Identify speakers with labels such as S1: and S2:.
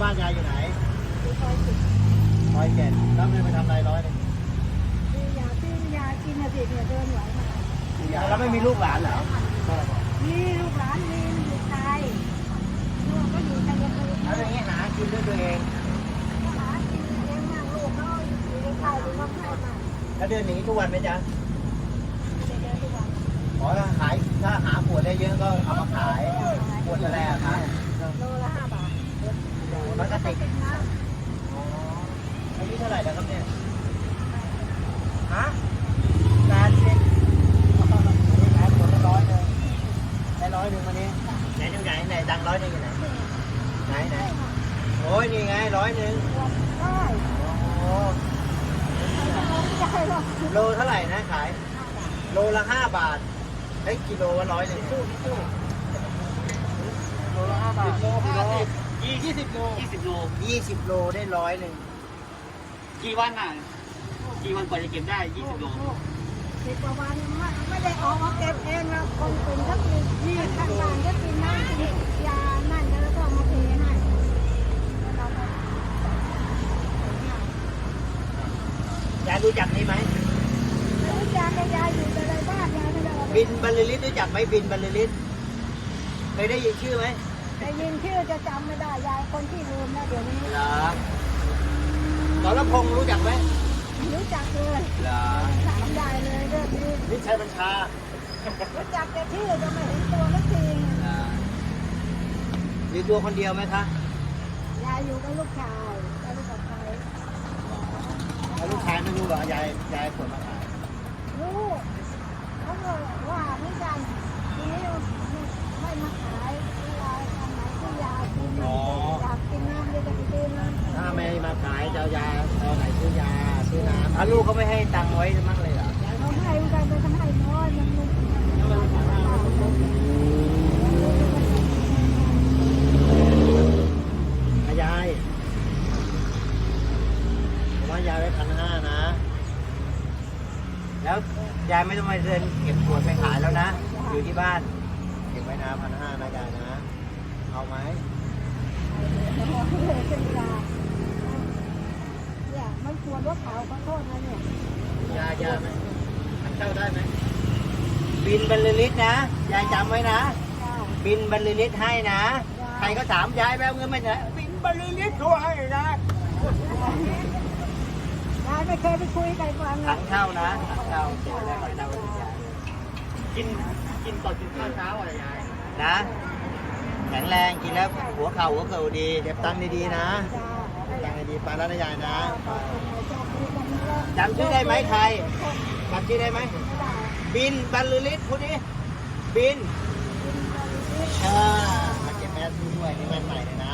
S1: านยายอยู่ไหน
S2: คือซอย10
S1: 107แล้วเงินไปทำอะไร100นึง
S2: ซื้อยากินนะสิเนี่ยเดินไหวมา
S1: แล้วไม่มีลูกหลานเหรอ
S2: มีลูกหลานมีอยู่ไทยลูกก็อยู่ชัยภูมิ
S1: แล้วอย่างนี้หากินด้วยตัวเอง
S2: หากินเลี้ยงมั่งลูกเขาอยู่ในไทยหรือว่าให้มา
S1: แล้วเดินหนีทุกวันไหมจ๊ะ
S2: เดินทุกวัน
S1: อ๋อถ้าหาขวดได้เยอะก็เอามาขายขวดละแรกครับ
S2: โลละ5 บาท
S1: แล้วก็ติด
S2: เป็นน้
S1: อ๋ออายุเท่าไหร่แล้วครับเนี่ยฮะ80ขายขวดละ100เลยได้100วันนี้ไหนตรงไหนไหนตังค์100อยู่ไหนไหนโอ้ยนี่ไง100
S2: ำได้
S1: โอ้
S2: ไม่ใช่หรอก
S1: โลเท่าไหร่นะขาย โลละ5 บาทเฮ้ยกิโลละ100โลละ5 บาท20 โล20 โลได้100
S3: กี่วันอ่ะ กี่วันกว่าจะเก็บได้ 20 โล
S2: 10 กว่าวันไม่ได้ออกมาเก็บเองนะคนอื่นก็กินนี่ข้างบ้านก็กินน้ำกินยานั่นแล้วก็มาเทให้เราก็
S1: ยายรู้จักนี่ไหม
S2: ไม่รู้จักยายอยู่แต่ในบ้านยายไม่ได้ออกไป
S1: บินบรรลือฤทธิ์รู้จักไหมบินบรรลือฤทธิ์เคยได้ยินชื่อไหม
S2: ได้ยินชื่อจะจำไม่ได้ยายคนที่ลืมนะเดี๋ยวนี้
S1: เหรอสรพงษ์รู้จักไหม
S2: รู้จักเลย
S1: เหรอ
S2: ถามได้เลยเรื่องนี้
S1: วิชัยบัญชา
S2: รู้จักแต่ชื่อจะไม่เห็นตัวสักที
S1: อยู่ตัวคนเดียวไหมคะ
S2: ยายอยู่กับลูกชายแล้วลูกกับใคร
S1: แล้วลูกชายไม่รู้เหรอยายขนมาขาย
S2: รู้เขาก็ว่าไม่กันทีนี้ไม่มาขายเวลาทำไหนก็ยากินอยากกินน้ำเลยจะไปซื้อน้ำ
S1: ถ้าไม่มาขายจะเอายาเอาไหนซื้อยาซื้อน้ำถ้าลูกเขาไม่ให้ตังค์ไว้มั่งเลยเหรอ
S2: เขาให้เหมือนกันแต่ทำให้น้อยมันไม่
S1: ยายผมว่ายายไว้1,500นะ แล้วยายไม่ต้องมาเดินเก็บขวดไปขายแล้วนะ อยู่ที่บ้าน เก็บไว้นะ1,500นะยายนะ เอาไหม
S2: เลยเป็นยาเนี่ยมันควรรถเขาขอโทษนะเนี่ย
S1: ยาไหมเข้าได้ไหม บินบรรลือฤทธิ์นะ ยายจำไว้นะ บินบรรลือฤทธิ์ให้นะ ใครก็ถามยายแววเงินไหมนะบินบรรลือฤทธิ์เขาให้นะ
S2: ยายไม่เคยไปคุยกับฟัง
S1: ถั
S2: นะ
S1: งเข้านะถังเข้าเก็บไว้ได้ก่อนเรายาย
S3: กินก่อนกินข้าวเช้าอะไรยาย
S1: นะ แข็งแรงกินแล้วหัวเข่าหัวเข่าดีเก็บตังค์ดีๆนะเก็บตังค์ดีๆไปแล้วนะยายนะจำชื่อได้ไหมใครจำชื่อได้ไหมบินบรรลือฤทธิ์พูดดิบินมาเก็บแมสด้วยนี่แมสใหม่เลยนะ